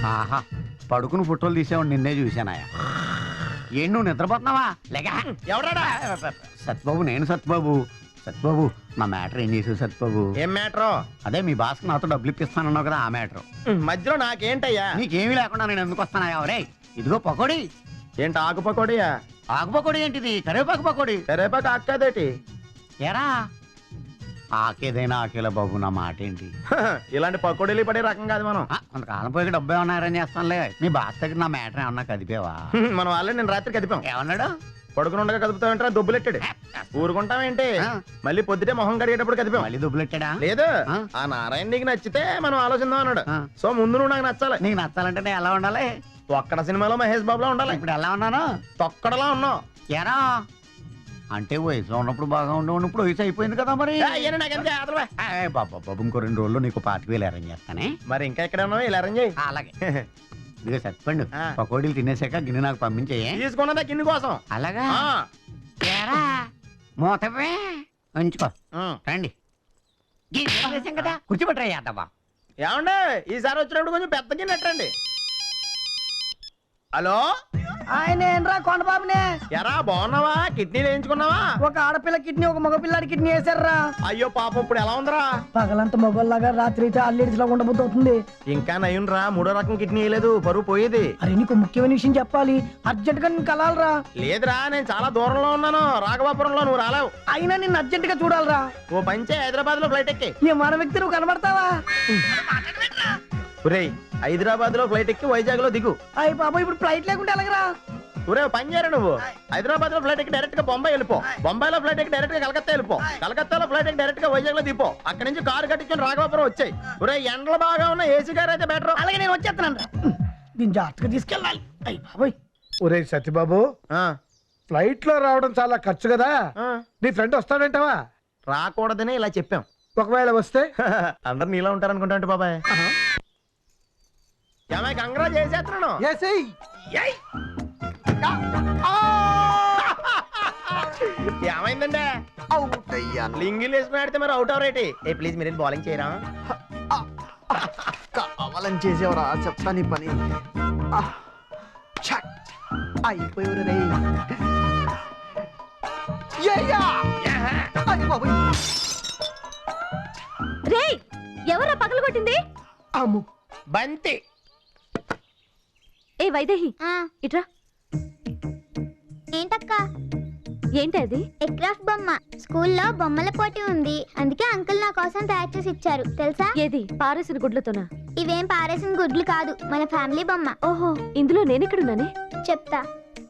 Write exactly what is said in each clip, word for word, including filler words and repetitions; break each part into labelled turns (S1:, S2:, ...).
S1: ఆహా పడుకుని ఫోటోలు తీసేవాడు నిన్నే చూశానాయా. ఏం నువ్వు నిద్రపోతున్నావా? లేక
S2: ఎవడా?
S1: సత్యబాబు, నేను సత్యబాబు. సత్యబాబు నా మ్యాటర్ ఏం చేసావు సత్యబాబు?
S2: ఏం మ్యాటరు?
S1: అదే మీ బాస్కి నాతో డబ్బులు ఇప్పిస్తానన్నావు కదా, ఆ మ్యాటర్.
S2: మధ్యలో నాకేంటయ్యా?
S1: నీకేమీ లేకుండా నేను ఎందుకు వస్తానయ్యా? రే ఇదిగో పకోడీ.
S2: ఏంటి ఆకు పకోడియా?
S1: ఆకు పకోడీ ఏంటిది? కరివేపాకు పకోడీ.
S2: కరేపాకు అక్కదేటి?
S1: ఎరా ఆకేదైనా ఆకేలా బాబు, నా మాట ఏంటి?
S2: ఇలాంటి పకోడీలు పడే రకం కాదు మనం.
S1: కొంతకాలం పోయి డబ్బు ఏమన్నా అరేంజ్ చేస్తానులే. మీ బాస్ దగ్గర నా మ్యాటర్ ఏమన్నా కదిపేవా?
S2: మనం వాళ్ళే నేను రాత్రి కదిపాం.
S1: ఏమన్నాడు?
S2: పడుకుని ఉండగా కదుపుతామంటారా? దుబ్బులెట్టాడు. ఊరుకుంటామేంటి, మళ్ళీ పొద్దుటే మొహం కడిగేటప్పుడు కదిపాం.
S1: మళ్ళీ దుబ్బులెట్టాడా?
S2: లేదు, ఆ నారాయణ నీకు నచ్చితే మనం ఆలోచిద్దాం అన్నాడు. సో ముందు నువ్వు నాకు నచ్చాలి.
S1: నీకు నచ్చాలంటే నేను ఎలా ఉండాలి?
S2: ఒక్కడ సినిమాలో మహేష్ బాబులా ఉండాలి.
S1: ఇప్పుడు ఎలా ఉన్నాను?
S2: తొక్కడలా ఉన్నావు.
S1: ఎరా అంటే వయసులో ఉన్నప్పుడు బాగా ఉండవు, ఇప్పుడు వయసు అయిపోయింది కదా మరి. బాబా బాబు ఇంకో రెండు రోజుల్లో నీకు పాతిక వేలు అరేంజ్ చేస్తానే.
S2: మరి ఇంకా ఎక్కడ ఉన్నావు? ఇలా అరేంజ్ చేయి.
S1: అలాగే. ఇదిగో సత్పండు, పకోడీలు తినేసాక గిన్నె నాకు పంపించేయే.
S2: తీసుకున్నదా గిన్నె కోసం?
S1: అలాగా మూతవే ఉంచుకో. రండి కదా, కూర్చోబెట్టరా యాదవ్వా.
S2: ఏమండి ఈసారి వచ్చినప్పుడు కొంచెం పెద్ద గిన్నె ఎట్టండి. హలో,
S3: ఆయన ఏంట్రా కొండబాబునే.
S2: ఎరా బాగున్నావా? కిడ్నీలు వేయించుకున్నావా?
S3: ఒక ఆడపిల్ల కిడ్నీ ఒక మగపిల్లాడి కిడ్నీ వేసారా.
S2: అయ్యో పాపం, ఇప్పుడు ఎలా ఉందిరా?
S3: పగలంతా మగోళ్ళగా రాత్రి అయితే అల్లేడిలో ఉండబోతు అవుతుంది.
S2: ఇంకా నయ్యునరా, మూడో రకం కిడ్నీ వేయలేదు, పరువు పోయేది.
S3: అరే నీకు ముఖ్యమైన విషయం చెప్పాలి, అర్జెంట్ గా నేను కలాలరా.
S2: లేదురా, నేను చాలా దూరంలో ఉన్నాను, రాఘవాపురంలో. నువ్వు రాలేవు.
S3: అయినా నిన్ను అర్జెంట్ గా చూడాలరా.
S2: ఓ పంచే హైదరాబాద్ లో ఫ్లైట్ ఎక్కి.
S3: ఈ మన వ్యక్తి నువ్వు కనబడతావా?
S2: ఒరేయ్, హైదరాబాద్ లో ఫ్లైట్ ఎక్కి వైజాగ్ లో దిగు.
S3: అయ్యి బాబా, ఇప్పుడు ఫ్లైట్ లేకుండా ఎలాగరా?
S2: ఒరే పని చేయరా, నువ్వు హైదరాబాద్ లో ఫ్లైట్ ఎక్కి డైరెక్ట్ గా బొంబాయి వెళ్ళిపో. బొంబాయిలో ఫ్లైట్ ఎక్కి డైరెక్ట్ గా కలకత్తా వెళ్ళిపో. కలకత్తాలో ఫ్లైట్ ఎక్కి డైరెక్ట్ గా వైజాగ్ లో దిపో. అక్కడ నుంచి కారు కట్టించుకుని రాఘవాపురం వచ్చాయి. ఒరే ఎండలు బాగా ఉన్న ఏసీ కార్ అయితే బెటర్.
S3: అలాగే నేను వచ్చేస్తాను. దీన్ని జాగ్రత్తగా తీసుకెళ్ళాలి. అయ్యి బాబోయ్.
S4: ఒరే సత్యబాబు, ఫ్లైట్ లో రావడం చాలా ఖర్చు కదా, నీ ఫ్రెండ్ వస్తాడంటావా?
S2: రాకూడదని ఇలా చెప్పాం.
S4: ఒకవేళ వస్తే
S2: అందరు నీలా ఉంటారనుకుంటా బాబాయ్. ఏమై కంగ్రా చేసేస్తున్నాను. ఏమైందండి? లింగిల్ వేసుకుని ఆడితే మరి అవుట్ అవరేటి. ఏ ప్లీజ్ మీరు బౌలింగ్ చేయరా?
S5: కావాలని చేసేవరా, చెప్తా నీ పని. అయిపోయారు రే.
S6: రే ఎవరా పగలు కొట్టింది?
S5: అమ్ము
S2: బంతి.
S6: ఏ వైదేహి ఇట్రా.
S7: ఏంటక్క?
S6: ఏంటది?
S7: ఎక్రాఫ్ట్ బొమ్మ. స్కూల్లో బొమ్మల పోటీ ఉంది, అందుకే అంకుల్ నా కోసం తయారు చేసి ఇచ్చారు తెలుసా?
S6: ఏది? పారేసిన గుడ్లతోనా?
S7: ఇవేం పారేసిన గుడ్లు కాదు, మన ఫ్యామిలీ బొమ్మ.
S6: ఓహో, ఇందులో నేనెక్కడున్నానే?
S7: చెప్తా.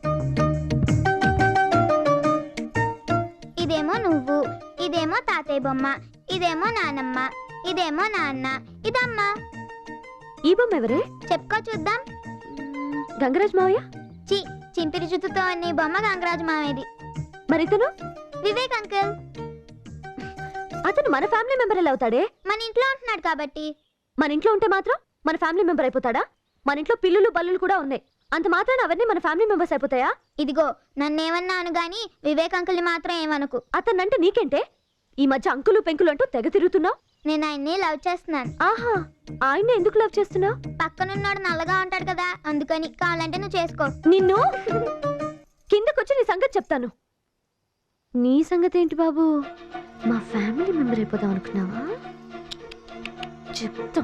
S7: ఇదేమో నువ్వు, ఇదేమో తాతయ్య బొమ్మ, ఇదేమో నానమ్మ, ఇదేమో నాన్న, ఇదమ్మ.
S6: ఈ బొమ్మ ఎవరే?
S7: చెప్పుకో చూద్దాం.
S6: గంగరాజ్ మావయ్య?
S7: చి చింపిరి జుత్తుతో నీ బొమ్మ గంగరాజు మావేది.
S6: మరి ఇతను?
S7: వివేక్ అంకుల్.
S6: అతను మన ఫ్యామిలీ మెంబర్ ఎలా అవుతాడే?
S7: మన ఇంట్లో ఉంటున్నాడు కాబట్టి.
S6: మన ఇంట్లో ఉంటే మాత్రం మన ఫ్యామిలీ మెంబర్ అయిపోతాడా? మన ఇంట్లో పిల్లులు బల్లులు కూడా ఉన్నాయి, అంత మాత్రాన అవన్నీ మన ఫ్యామిలీ మెంబర్స్ అయిపోతాయా?
S7: ఇదిగో నన్నేమన్నాను గాని వివేక్ అంకుల్ని మాత్రం ఏమనుకు.
S6: అతనంటే నీకేంటే? ఈ మధ్య అంకులు పెంకులు అంటూ తెగ తిరుగుతున్నావు.
S7: నేను ఆయన్ని లవ్ చేస్తున్నాను.
S6: ఆహా, ఆయన్ని ఎందుకు లవ్ చేస్తున్నావు?
S7: పక్కనున్నాడు నల్లగా ఉంటాడు కదా, అందుకని. కావాలంటే నువ్వు చేసుకో.
S6: నిన్ను కిందకొచ్చి నీ సంగతి చెప్తాను. నీ సంగతి ఏంటి బాబు? మా ఫ్యామిలీ మెంబర్ అయిపోదాం అనుకున్నావా? చెప్తా.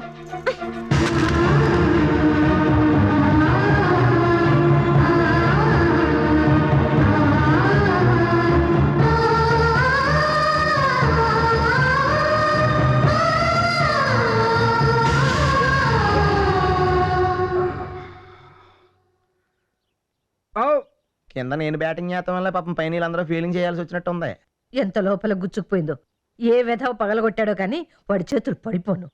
S2: కింద నేను బ్యాటింగ్ చేస్తాం వల్ల పాపం పైన వీళ్ళందరూ ఫీలింగ్ చేయాల్సి వచ్చినట్టు ఉంది.
S3: ఎంత లోపల గుచ్చుకుపోయిందో, ఏ వెధవ పగలగొట్టాడో కానీ వాడి చేతులు పడిపోను.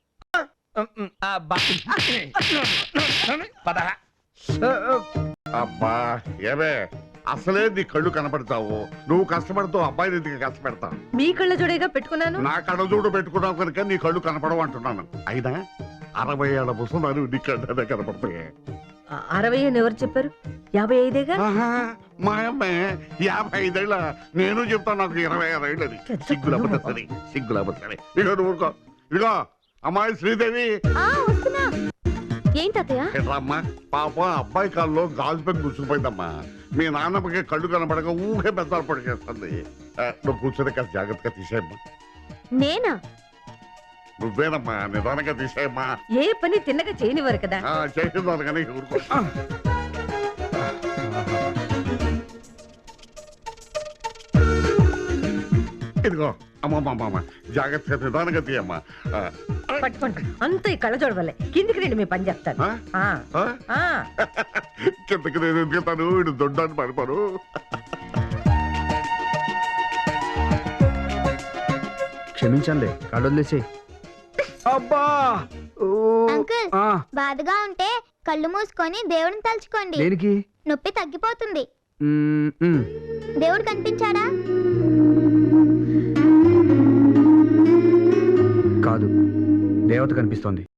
S8: అబ్బా ఏమే, అసలే నీ కళ్ళు కనపడతావు, నువ్వు కష్టపడతావు, అబ్బాయిని ఎందుకు కష్టపెడతావు?
S3: మీ కళ్ళ జోడేగా పెట్టుకున్నాను.
S8: నా కళ్ళజోడు పెట్టుకున్నావు కనుక నీ కళ్ళు కనపడవు అంటున్నాను. అయినా అరవై ఏళ్ళ పుస్తకాలు నీ కళ్ళనే కనపడతాయి.
S3: అరవై అని ఎవరు చెప్పారు? యాభై ఐదేగా.
S8: మా అమ్మాయి యాభై ఐదేళ్ళ, నేను చెప్తాను నాకు ఇరవై ఆరు ఏళ్ళని. సిగ్గులబద్ద సరే, సిగ్గులబద్ద సరే. ఇగో నువ్వు ఇగో అమ్మాయి శ్రీదేవి.
S6: ఏంటి తాతయ్య
S8: ఏట్రమ్మా పాప అబ్బాయి కాల్లో గాజు పెన్ గుచ్చుకుపోయిందమ్మా. మీ నాన్నమ్మకి కళ్ళు కనపడక ఊహే పెద్దలు పడిచేస్తుంది. నువ్వు కూర్చొని కాస్త జాగ్రత్తగా తీసేయమ్మా.
S6: నేనా?
S8: నువ్వేనమ్మా, నిదానంగా తీసేయమ్మా.
S3: ఏ పని తిన్నగా చేయనివారు కదా.
S8: చేసిందాను కానీ ఊరుకో. ఇదిగో అమ్మమ్మ, జాగ్రత్తగా నిదానంగా తీయమ్మా. ఆ,
S3: పట్టుకోండి, అంత ఈ కళ్ళ చూడవలే. కిందికి రండి, మీ పని చెప్తాను.
S8: ఆ?
S3: ఆ,
S8: ఆ?
S3: ఆ.
S8: కిందకి నేను ఎందుకెళ్తాను, ఇటు దొడ్డాన్ని పడిపోను.
S2: క్షమించండి, కళ్ళు వదిలేసి. అబ్బా ఓ.
S7: అంకుల్
S2: ఆ,
S7: బాధగా ఉంటే కళ్ళు మూసుకొని దేవుడిని తలుచుకోండి.
S2: దేనికి?
S7: నొప్పి తగ్గిపోతుంది.
S2: మ్మ్, మ్మ్.
S7: దేవుడు కనిపించాడా?
S2: కాదు, దేవత కనిపిస్తోంది.